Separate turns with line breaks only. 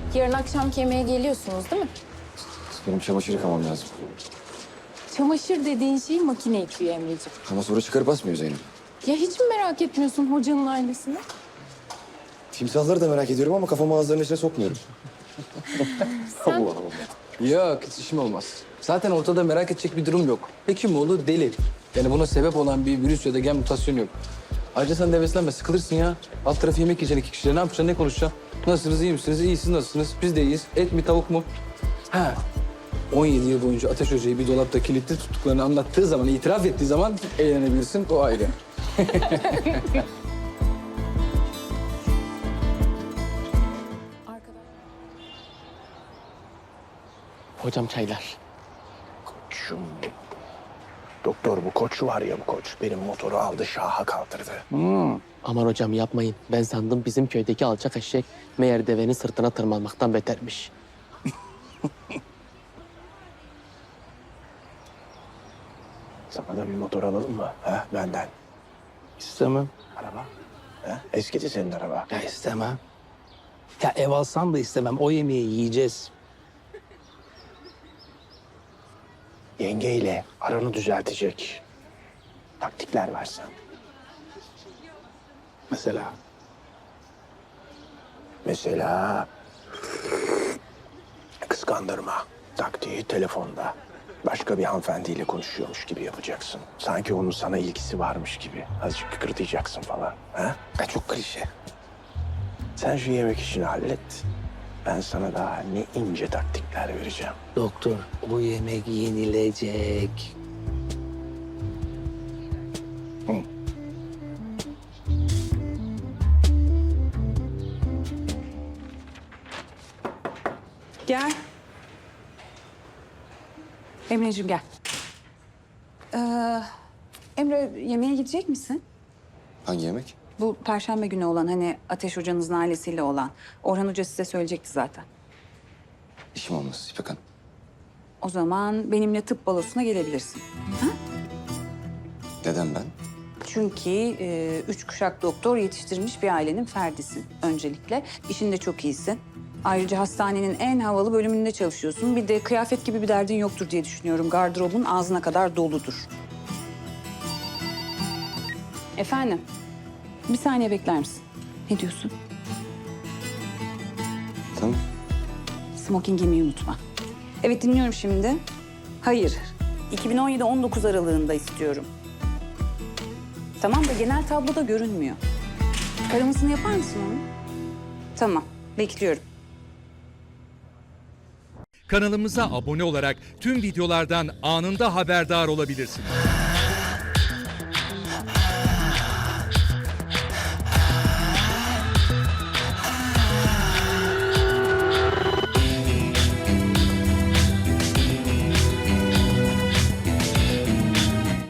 Yarın akşamki yemeğe geliyorsunuz değil mi?
Benim çamaşır yıkamam lazım.
Çamaşır dediğin şey makine yıkıyor Emre'ciğim.
Ama sonra çıkarıp asmıyor Zeynep.
Ya hiç mi merak etmiyorsun hocanın ailesini?
Timsahları da merak ediyorum ama kafamı ağızlarının içine sokmuyorum. Allah Allah.
Yok, hiç işim olmaz. Zaten ortada merak edecek bir durum yok. Hekimoğlu deli. Yani buna sebep olan bir virüs ya da gen mutasyonu yok. Ayrıca sen de heveslenme, sıkılırsın ya. Alt tarafı yemek yiyeceksin iki kişiyle. Ne yapacaksın, ne konuşacaksın? Nasılsınız, iyi misiniz? İyisiniz, nasılsınız? Biz de iyiyiz. Et mi, tavuk mu? Ha. 17 yıl boyunca Ateş Hoca'yı bir dolapta kilitli tuttuklarını anlattığı zaman, itiraf ettiği zaman eğlenebilirsin. O ayrı.
Hocam çaylar.
Koçum. Doktor bu koç var ya bu koç. Benim motoru aldı şaha kaldırdı.
Aman hocam yapmayın. Ben sandım bizim köydeki alçak eşek meğer devenin sırtına tırmanmaktan betermiş.
Sana da bir motor alalım mı? Ha, benden.
İstemem.
Araba. Ha? Eskidi senin araba.
Ya istemem. Ya ev alsam da istemem. O yemeği yiyeceğiz.
Yengeyle aranı düzeltecek taktikler versen.
Mesela.
Mesela kıskandırma taktiği telefonda. Başka bir hanımefendiyle konuşuyormuş gibi yapacaksın. Sanki onun sana ilgisi varmış gibi. Azıcık kıkırdayacaksın falan. Ha?
Ya çok klişe.
Sen şu yemek işini hallet. Ben sana daha ne ince taktikler vereceğim.
Doktor, o yemek yenilecek.
Gel. Emre'ciğim gel. Emre yemeğe gidecek misin?
Hangi yemek?
Bu Perşembe günü olan hani Ateş Hoca'nızın ailesiyle olan. Orhan Hoca size söyleyecekti zaten.
İşim olmaz İpek Hanım.
O zaman benimle tıp balosuna gelebilirsin.
Neden ben?
Çünkü 3 kuşak doktor yetiştirmiş bir ailenin ferdisin öncelikle. İşinde çok iyisin. Ayrıca hastanenin en havalı bölümünde çalışıyorsun. Bir de kıyafet gibi bir derdin yoktur diye düşünüyorum. Gardırobun ağzına kadar doludur. Efendim, bir saniye bekler misin? Ne diyorsun?
Tamam.
Smoking giymeyi unutma. Evet dinliyorum şimdi. Hayır, 2017-19 aralığında istiyorum. Tamam da genel tabloda görünmüyor. Taramasını yapar mısın onu? Tamam, bekliyorum.
Kanalımıza abone olarak tüm videolardan anında haberdar olabilirsiniz.